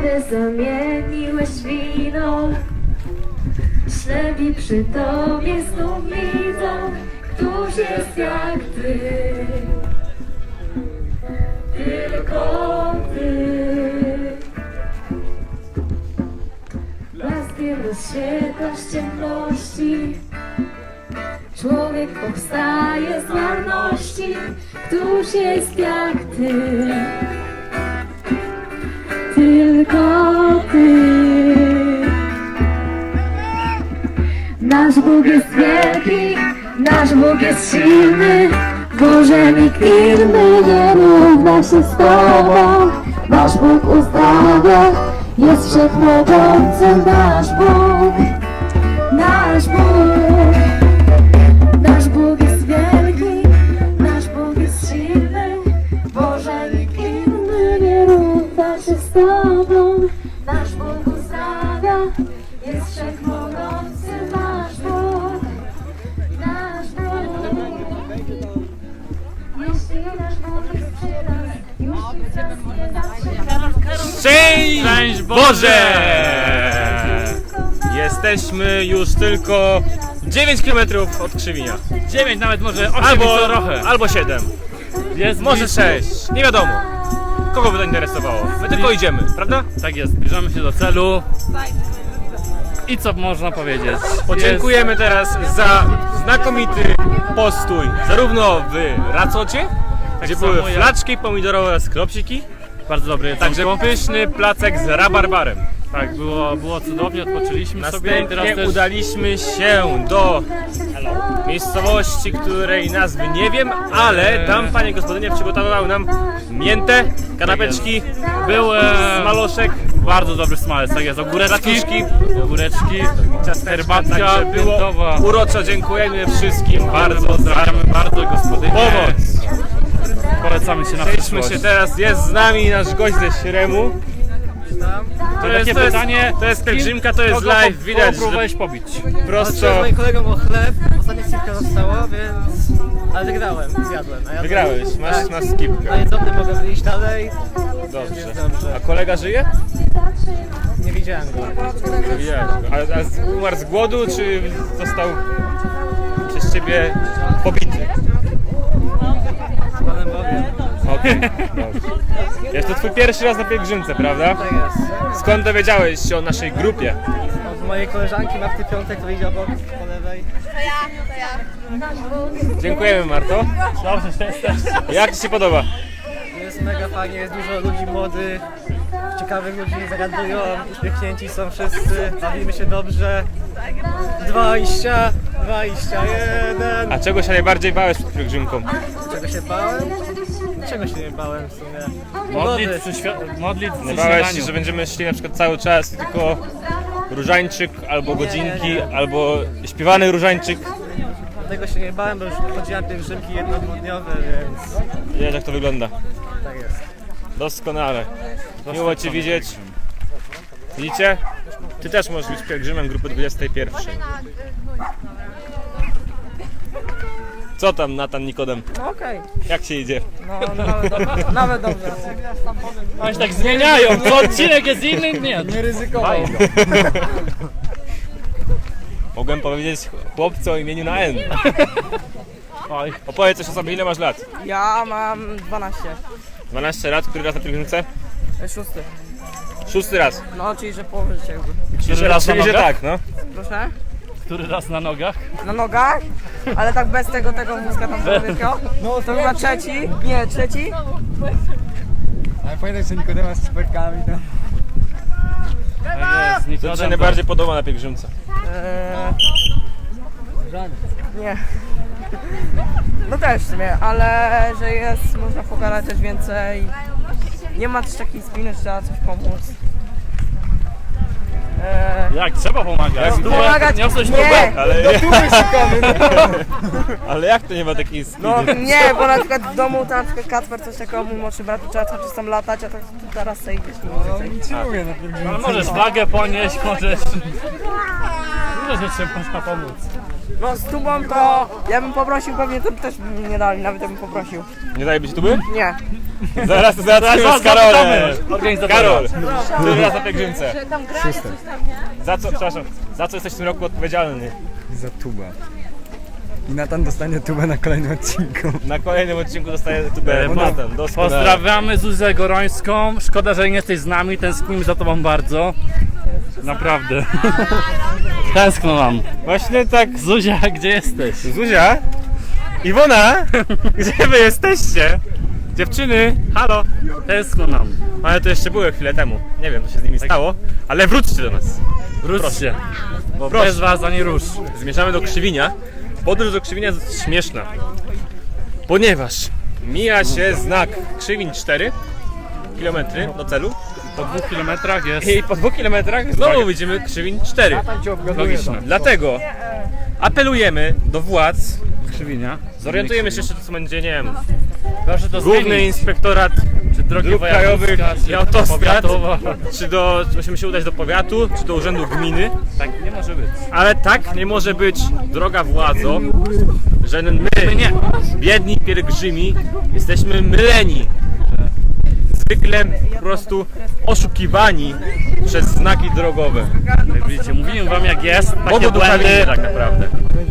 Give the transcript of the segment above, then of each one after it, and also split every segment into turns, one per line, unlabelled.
Wodę zamieniłeś wino, ślepi przy tobie znów widzą, któż jest jak ty, tylko ty. Blaskiem rozświetlasz ciemności, człowiek powstaje z marności, któż jest jak ty, tylko ty. Nasz Bóg jest wielki, nasz Bóg jest silny, Boże, nikt inny nie równa się z Tobą. Nasz Bóg uzdrawia, jest wszechmogący nasz Bóg, nasz Bóg. Nasz Bóg jest wielki, nasz Bóg jest silny, Boże, nikt inny nie równa się z Tobą. Nasz Bóg uzdrawia, jest wszechmogący nasz Bóg, nasz Bóg. Jeśli nasz Bóg jest przy nas, już nic nas nie zatrzyma.
Szczęść Boże! Jesteśmy już tylko 9 km od Krzywinia.
9, nawet może 8 trochę.
Albo 7.
Jest
Może
blisko.
6. Nie wiadomo. Kogo by to interesowało? My tylko idziemy, prawda?
Tak jest, zbliżamy się do celu. I co można powiedzieć?
Podziękujemy teraz za znakomity postój. Zarówno w Racocie, gdzie
samo
były
jak-
flaczki pomidorowe oraz kropsiki,
Jest bardzo dobry
także
jedzonko.
pyszny placek z rabarbarem.
Tak, było cudownie, odpoczęliśmy sobie i teraz
Następnie
też
udaliśmy się do miejscowości, której nazwy nie wiem, ale tam panie gospodynie przygotowały nam miętę, kanapeczki,
był
maloszek,
bardzo dobry smalec, tak jest, ogóreczki, herbatka
także było
miętowa.
uroczo. Dziękujemy wszystkim bardzo.
Pozdrawiamy bardzo gospodynię.
Pomoc!
Polecamy się na
Przejdźmy
przyszłość.
się teraz, jest z nami nasz gość ze Śremu.
Takie pytanie,
to jest pielgrzymka, to jest
kogo
live, widać, że
próbowałeś pobić.
prosto
Walczyłem z moim kolegą o chleb, ostatnia skipka została, więc... Ale wygrałem, zjadłem. A ja
wygrałeś, masz
tak.
na skipkę.
Na jedzony mogę wyjść dalej.
Dobrze.
Jest dobrze.
A kolega żyje?
Nie widziałem go.
Nie widziałem go. A umarł z głodu, czy został przez ciebie pobity?
Z Panem Bogiem.
Okej, dobrze. Jest to twój pierwszy raz na pielgrzymce, prawda?
Tak jest.
Skąd dowiedziałeś się o naszej grupie?
Od mojej koleżanki Marty Piątek, która idzie obok po lewej.
Dziękujemy, Marto.
Dobrze, że jesteś.
Jak ci się podoba?
Jest mega fajnie, jest dużo ludzi młodych, ciekawych ludzi, zagadują, uśmiechnięci są wszyscy, bawimy się dobrze. 21.
A czego się najbardziej bałeś przed pielgrzymką?
Czego się bałem? Niczego się nie bałem w sumie.
Modlitw przy
Nie bałeś się,
śniadaniu.
że będziemy szli na przykład cały czas tylko różańczyk, albo godzinki, albo śpiewany różańczyk.
Tego się nie bałem, bo już chodziłem pielgrzymki jednodniowe, więc
Wiesz, jak to wygląda.
tak jest.
Doskonale. Miło cię widzieć. Widzicie? Ty też możesz być pielgrzymem grupy 21. Co tam, Natan Nikodem?
No okej,
Jak się idzie?
no nawet dobrze.
Oni się tak zmieniają, co odcinek jest inny? Nie.
Nie ryzykował.
Mogłem powiedzieć chłopcu o imieniu na N.
Oj.
Opowiedz coś o sobie, ile masz lat?
Ja mam 12.
12 lat, który raz na pielgrzymce?
6.
6 raz.
No, czyli że połowy życia jakby.
Który raz na
Czyli, że
nogach?
tak, no.
Proszę?
Który raz na nogach?
Na nogach? Ale tak bez tego mózga tam wielkiego? No, to chyba trzeci? Nie, trzeci?
Ale pamiętaj, że Nikodema z cyberkami, to...
Tak jest,
Co ci się
Nikodem.
najbardziej podoba na pielgrzymce?
Nie. No też w sumie, ale że jest, można pogadać też więcej. Nie ma też takiej spiny, że trzeba coś pomóc.
Jak? Trzeba pomagać.
Jak
pomagać?
Niosłeś
Nie.
tubę?
Ale jak to nie ma takiej spiny?
No nie, bo na przykład w domu to na przykład Kacper coś takiego, mój młodszy brat, trzeba cały czas tam latać, a tak teraz sobie idziesz.
Nic nie mówię na pielgrzymce.
Ale możesz flagę ponieść, możesz... różnie czym można pomóc.
No z tubą to ja bym poprosił, pewnie to też by mi nie dali, nawet jakbym poprosił.
Nie daje być tuby?
Nie.
Zaraz to załatwimy z Karolem.
Organizatora.
Karol, który raz na pielgrzymce? Za co, przepraszam, za co jesteś w tym roku odpowiedzialny?
Za tubę. I Natan dostanie tubę na kolejnym odcinku.
Na kolejnym odcinku dostaję tubę Natan, doskonale.
Pozdrawiamy Zuzę Gorońską. Szkoda, że nie jesteś z nami, tęsknimy za tobą bardzo. Naprawdę. Tęskno nam.
Właśnie tak,
Zuzia, gdzie jesteś?
Zuzia? Iwona? Gdzie wy jesteście? Dziewczyny, halo?
Tęskno nam.
Ale to jeszcze były chwilę temu. Nie wiem, co się z nimi stało, ale wróćcie do nas.
Wróćcie. Bo
Proszę.
bez was ani rusz.
Zmierzamy do Krzywinia. Podróż do Krzywinia jest śmieszna, ponieważ mija się znak Krzywiń 4 km do celu
Po 2 kilometrach jest
i po 2 km znowu widzimy Krzywiń 4.
logiczne.
Dlatego apelujemy do władz,
Krzywinia.
zorientujemy się jeszcze, co będzie, nie wiem,
Proszę to
Główny
zmienić.
Inspektorat
Czy drogi
Dróg Krajowych
wojewódzka,
i
czy
Autostrad,
powiatowa.
czy musimy się udać do powiatu, czy do urzędu gminy.
Tak nie może być.
Ale tak nie może być, droga władzo, że my,
nie.
biedni pielgrzymi, jesteśmy myleni. Zwykle po prostu oszukiwani przez znaki drogowe.
Jak widzicie, mówiłem wam jak jest, takie
Powodu
błędy.
tak naprawdę.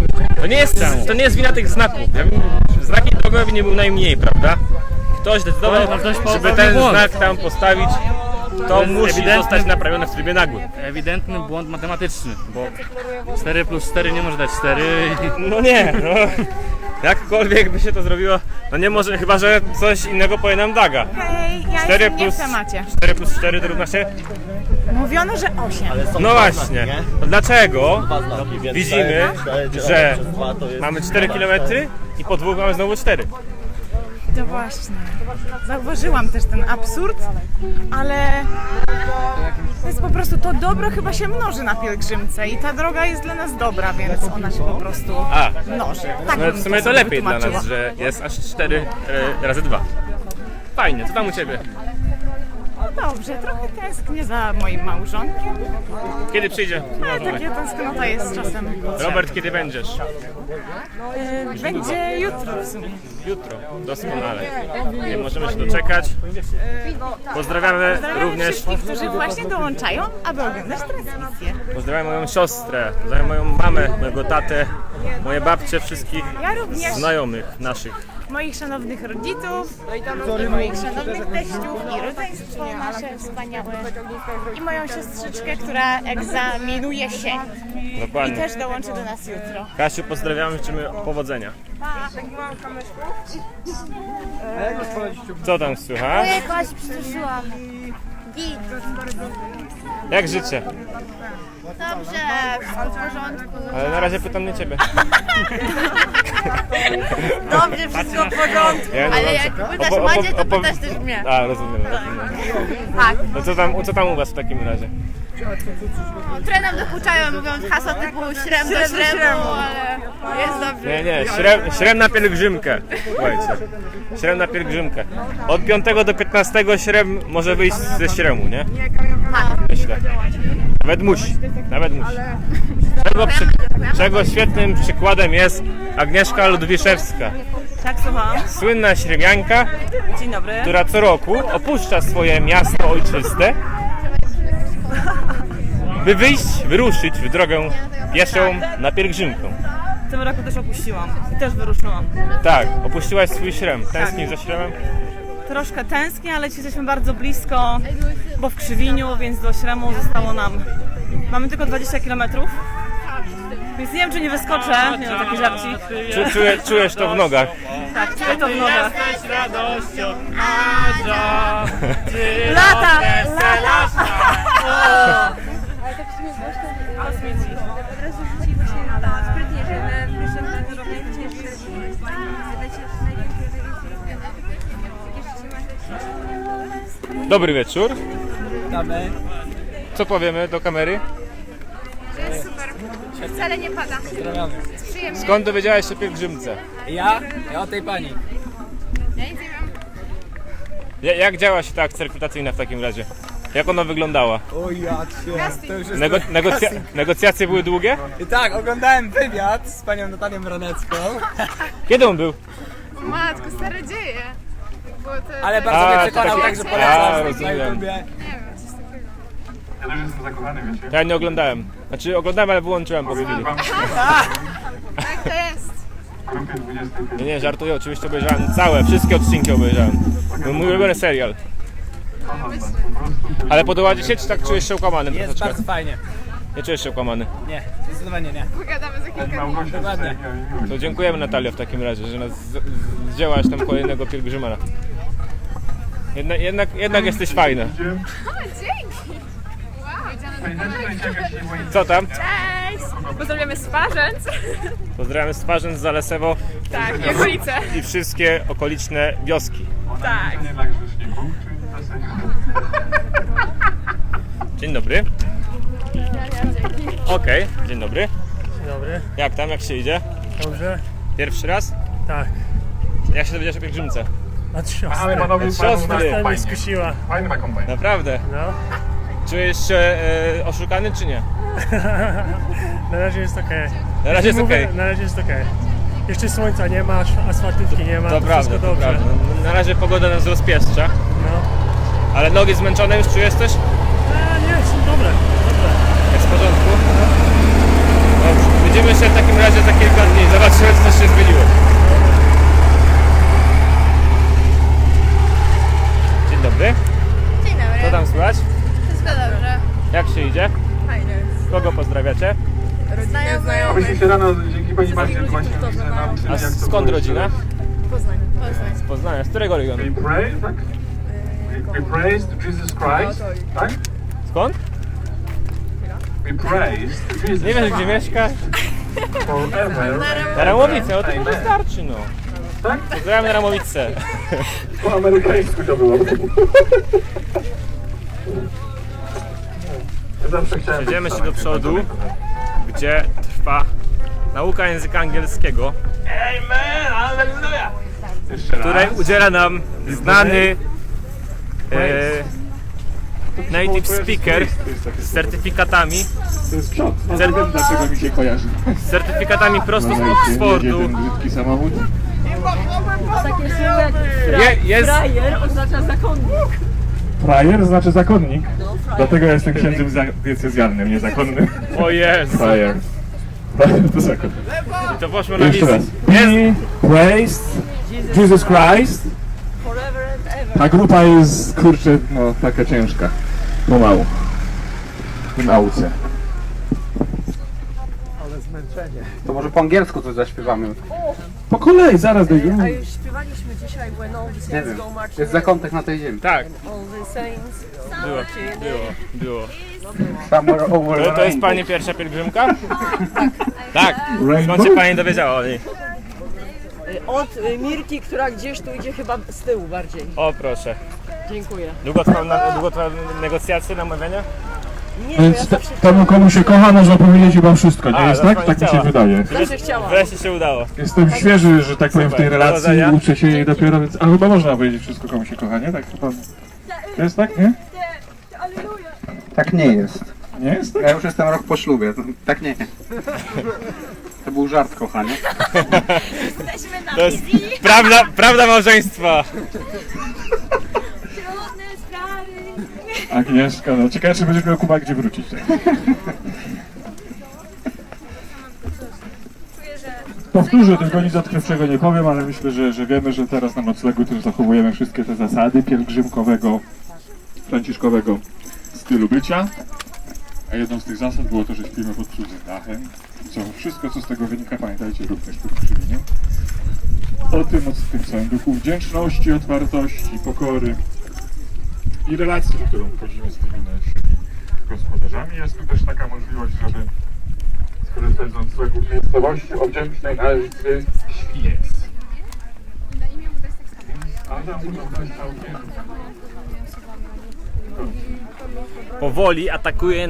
To nie jest wina tych znaków. Ja bym, znaki drogowe nie był najmniej, prawda? Ktoś decydował,
Ktoś
żeby
popełnił
ten
błąd.
znak tam postawić, to
jest
musi
ewidentny-
zostać naprawione w trybie nagłym.
Ewidentny błąd matematyczny, bo 4 plus 4 nie może dać 4 i
No nie, no. Jakkolwiek by się to zrobiło, no nie może, chyba że coś innego powie nam Daga.
Hej, ja
4
jestem nie
plus
w temacie.
4 plus 4 to równa się?
Mówiono, że 8.
No właśnie. To dlaczego widzimy, że mamy 4 km i po 2 mamy znowu 4?
To właśnie. Zauważyłam też ten absurd, ale to jest po prostu to dobro chyba się mnoży na pielgrzymce i ta droga jest dla nas dobra, więc ona się po prostu
A,
mnoży. Tak
no
bym
w sumie to
sobie
lepiej dla
wytłumaczyła.
nas, że jest aż 4 razy 2. Fajnie, co tam u Ciebie?
Dobrze, trochę tęsknię za moim małżonkiem,
Kiedy przyjdzie?
ale takie tęsknota jest czasem potrzebna.
Robert, kiedy będziesz?
Będzie jutro w sumie.
Jutro. Doskonale. Nie możemy się doczekać. Pozdrawiamy również.
Wszystkich, którzy właśnie dołączają, aby oglądać transmisję.
Pozdrawiam moją siostrę, pozdrawiam moją mamę, mojego tatę, moje babcie, wszystkich
Ja również
znajomych naszych.
moich szanownych rodziców i moich szanownych teściów i rodzeństwo nasze wspaniałe i moją siostryczkę, która egzaminuje się i
Dokładnie.
też dołączy do nas jutro.
Kasiu, pozdrawiamy, życzymy powodzenia. Co tam słychać?
Jakoś przyszłam. Git.
Jak życie?
Dobrze, wszystko w porządku.
Ale na razie pytam nie ciebie.
Dobrze, wszystko w porządku.
Ja nie
Ale
wiem,
jak
co-
pytasz
opo-
Madzie, to
opo-
pytasz też mnie.
A, rozumiem.
Tak.
No co tam u was w takim razie?
Które nam dokuczają, mówiąc hasła typu śrem do śremu, ale jest dobrze.
Nie, śrem na pielgrzymkę. Słuchajcie, śrem na pielgrzymkę. Od 5 do 15 śrem może wyjść ze śremu, nie? Myślę. Nawet musi. Czego świetnym przykładem jest Agnieszka Ludwiszewska.
Tak, słucham.
Słynna śremianka,
Dzień dobry.
która co roku opuszcza swoje miasto ojczyste, by wyruszyć w drogę pieszą na pielgrzymkę.
W tym roku też opuściłam i też wyruszyłam.
Tak, opuściłaś swój śrem. Tęsknisz za śremem?
Troszkę tęsknię, ale dzisiaj jesteśmy bardzo blisko, bo w Krzywiniu, więc do Śremu zostało nam... Mamy tylko 20 km. Więc nie wiem, czy nie wyskoczę. Nie, no, taki żarcik.
Czujesz to w nogach?
Tak, czuję to w nogach.
jesteś radością, Adzia, ty
Lata,
rozweselasz
Dobry wieczór. Co powiemy do kamery?
Wcale nie pada. Przyjemnie.
Skąd dowiedziałeś się o pielgrzymce?
Ja o tej pani.
Ja nic nie wiem.
Jak działa się ta akcja rekrutacyjna w takim razie? Jak ona wyglądała?
O ja cię, to już jest...
Negocjacje były długie?
I tak, oglądałem wywiad z panią Natalią Ranecką,
Kiedy on był?
Matko, stare dzieje. Bo to,
ale
to
bardzo
A,
mnie
to
przekonał,
takie-
także
a,
polecam na
rozumiem.
YouTubie.
Ja też jestem zakochany, wiecie?
Ja nie oglądałem. Znaczy oglądałem, ale wyłączyłem po chwili.
tak to jest.
W grupie 25.
Nie, żartuję, oczywiście obejrzałem całe, wszystkie odcinki obejrzałem. Był mój ulubiony serial.
Kocham was, po prostu.
Ale podoba ci się, czy tak czujesz się okłamany
Jest
troszeczkę?
bardzo fajnie.
Nie czujesz się okłamany.
Nie, zdecydowanie nie.
Pogadamy za kilka dni.
Małgosia,
Dokładnie.
Ksenia i Miłość.
To dziękujemy Natalia w takim razie, że nas wzięłaś tam kolejnego pielgrzyma. Jednak jesteś fajna.
Idziemy.
Dzięki.
Pamiętajcie, jakaś się moim...
Co tam?
Cześć. Pozdrawiamy Sparzęc.
Pozdrawiam Sparzęc, Zalesewo
Tak, i okolice.
i wszystkie okoliczne wioski.
Tak.
Nie dla grzeszników, czyli dla sędziów.
Dzień dobry. Okej, dzień dobry.
Dzień dobry,
Jak tam, jak się idzie?
dobrze?
Pierwszy raz?
Tak,
Jak się dowiedziałeś o pielgrzymce?
od siostry.
Ale panowie,
Od siostry.
fajnie.
Mnie skusiła,
Fajny ma kombajn.
Naprawdę?
no.
Czujesz się oszukany czy nie?
Na razie jest okej.
Na razie jest okej.
Na razie jest okej. Jeszcze słońca nie ma, asfaltówki nie ma,
To prawda,
wszystko
to
dobrze.
prawda. Na razie pogoda nas rozpieszcza,
No.
ale nogi zmęczone już czujesz też?
A nie, są dobre, dobre.
Jest w porządku? Dobrze. Widzimy się w takim razie za kilka dni. Zobaczymy, co się zmieniło. Dzień dobry.
Dzień dobry.
Co tam słychać?
Wszystko dobrze.
Jak się idzie?
Fajnie.
Kogo pozdrawiacie?
Znajomych.
Myślę się rano, dzięki pani Marcie, właśnie widzę nam...
A
jak to
skąd
było
rodzina?
Poznań.
Z Poznania. Z którego regionu?
We pray, tak? We praise to Jesus Christ, tak?
Skąd?
We praise to Jesus
Nie wiesz, gdzie mieszkasz?
forever.
Na Ramowice, o to mi wystarczy, no.
Tak?
Pozdrawiam na Ramowicę.
Po amerykańsku to było. Ja zawsze chciałem...
Przejdziemy
być
się do przodu, gdzie trwa nauka języka angielskiego,
Amen, hallelujah! Jeszcze raz.
której udziela nam znany native speaker z certyfikatami,
To jest przód. Nie wiem, dlaczego mi się kojarzy.
z certyfikatami prosto z Oxfordu.
Jedzie ten brzydki samochód.
Jest,
Frajer znaczy zakonnik. Dlatego ja jestem księdzem diecezjalnym, nie zakonnym.
o Jezu,
Frajer. Frajer to zakonnik.
i to poszło na
Jeszcze raz.
wizję.
We praised Jesus Christ. Ta grupa jest, kurczę, no taka ciężka. Pomału. W nauce.
To może po angielsku coś zaśpiewamy.
Po kolei, zaraz dojdziemy.
już śpiewaliśmy dzisiaj When All the
Nie
Saints
wiem.
Go Marching
Jest zakątek na tej ziemi.
Tak,
All the Saints
było.
Somewhere over
To jest pani pierwsza pielgrzymka? Tak. Skąd się pani dowiedziała o niej?
Od Mirki, która gdzieś tu idzie chyba z tyłu bardziej.
O proszę.
Dziękuję.
Długo trwały negocjacje, namawiania?
Nie, bo ja zawsze,
Temu, komu się kocha, można powiedzieć chyba wszystko, nie
A,
jest
zawsze
tak?
pani
Tak mi się
chciała.
wydaje.
zawsze chciałam.
Wreszcie się udało.
Jestem świeży, że tak powiem, w tej
Super,
relacji,
powodzenia.
uczę się jej dopiero, więc... A chyba można powiedzieć wszystko, komu się kocha, nie? Tak chyba... To jest tak, nie?
Tak nie jest.
Nie jest tak?
Ja już jestem rok po ślubie. Tak nie. To był żart, kochanie.
To jest prawda małżeństwa.
Agnieszka, no ciekawe, czy będziesz miał Kuba gdzie wrócić. Powtórzę, tylko nic odkrywczego nie powiem, ale myślę, że wiemy, że teraz na noclegu też zachowujemy wszystkie te zasady pielgrzymkowego, franciszkowego stylu bycia. A jedną z tych zasad było to, że śpimy pod cudzym dachem. Wszystko, co z tego wynika, pamiętajcie również tu w Krzywinie. O tym samym duchu wdzięczności, otwartości, pokory i relacji, którą wchodzimy z tymi naszymi gospodarzami. Jest tu też taka możliwość, żeby skorzystać z noclegu w miejscowości o wdzięcznej nazwie Świniec. Adam użył całkiem.
Powoli atakuje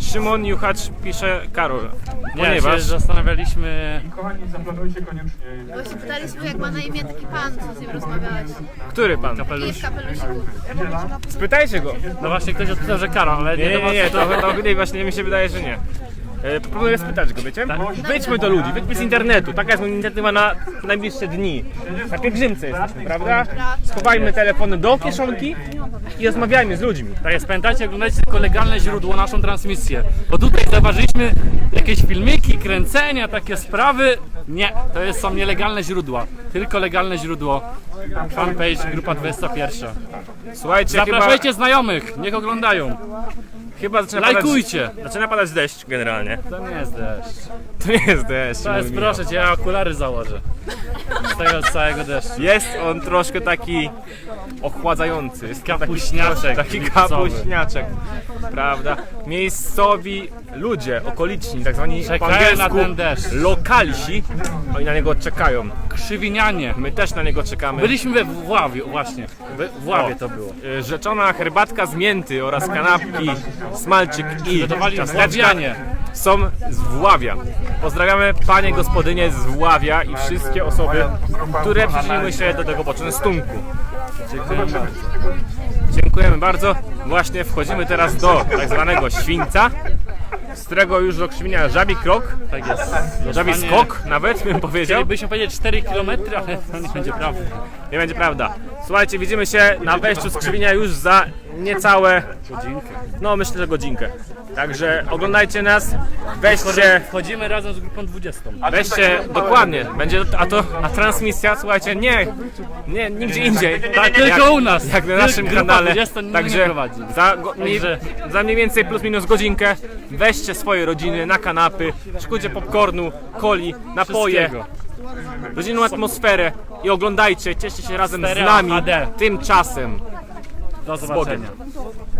Szymon Juchacz pisze Karol,
Nie, się
ponieważ
zastanawialiśmy...
Kochani, zaplanujcie koniecznie...
Bo się pytaliśmy, jak ma na imię taki pan, co z nim rozmawiałeś.
który pan?
I w kapelusiku.
Spytajcie go.
No właśnie ktoś odpisał, że Karol, ale nie,
Nie, to właśnie mi się wydaje, że nie. Proponuję spytać go, wiecie? Wyjdźmy do ludzi, wyjdźmy z internetu. Taka jest moja inicjatywa na najbliższe dni. Na pielgrzymce jesteśmy, prawda? Schowajmy telefony do kieszonki i rozmawiajmy z ludźmi.
Tak jest, pamiętajcie, oglądajcie tylko legalne źródło, naszą transmisję. Bo tutaj zauważyliśmy jakieś filmiki, kręcenia, takie sprawy. Nie, to są nielegalne źródła. Tylko legalne źródło. Fanpage, grupa 21.
Słuchajcie,
Zapraszajcie znajomych, niech oglądają.
chyba zaczyna
Lajkujcie.
Zaczyna padać deszcz generalnie.
To nie jest deszcz.
To nie jest deszcz.
To jest,
mówi
proszę cię, ja okulary założę. Z tego całego deszczu.
Jest on troszkę taki ochładzający. Jest
Kapuśniaczek.
Taki
lipcowy.
kapuśniaczek, prawda? Miejscowi ludzie, okoliczni, tak zwani po
Czekają
angielsku
na ten deszcz.
lokalsi, oni na niego czekają.
Krzywinianie.
My też na niego czekamy.
Byliśmy we Wławie, właśnie. W Wławie to było.
Rzeczona herbatka z mięty oraz kanapki, smalczyk i
Przygotowali
ciasteczka
Wławianie.
są z Wławia. Pozdrawiamy panie gospodynie z Wławia i wszystkie osoby, które przyczyniły się do tego poczęstunku. Dziękujemy bardzo. Właśnie wchodzimy teraz do tak zwanego Świńca, z którego już do Krzywinia żabi krok,
Tak jest.
żabi skok nawet bym powiedział.
Chcielibyśmy powiedzieć 4 km, ale to nie będzie prawda.
Nie będzie prawda. Słuchajcie, widzimy się na wejściu z Krzywinia już za niecałe
Godzinkę.
no myślę, że godzinkę. Także oglądajcie nas, weźcie,
Wchodzimy razem z grupą 20.
weźcie dokładnie, będzie, a transmisja, słuchajcie, nie, nigdzie indziej.
Tak, tylko u nas.
Jak na
Tylko
naszym
grupa
kanale.
20 nie
Także
prowadzi.
za mniej więcej plus minus godzinkę weźcie swoje rodziny na kanapy, szykujcie popcornu, coli, napoje,
Wszystkiego.
rodzinną atmosferę i oglądajcie, cieszcie się razem z
Stereo
nami
HD.
tymczasem.
Do zobaczenia.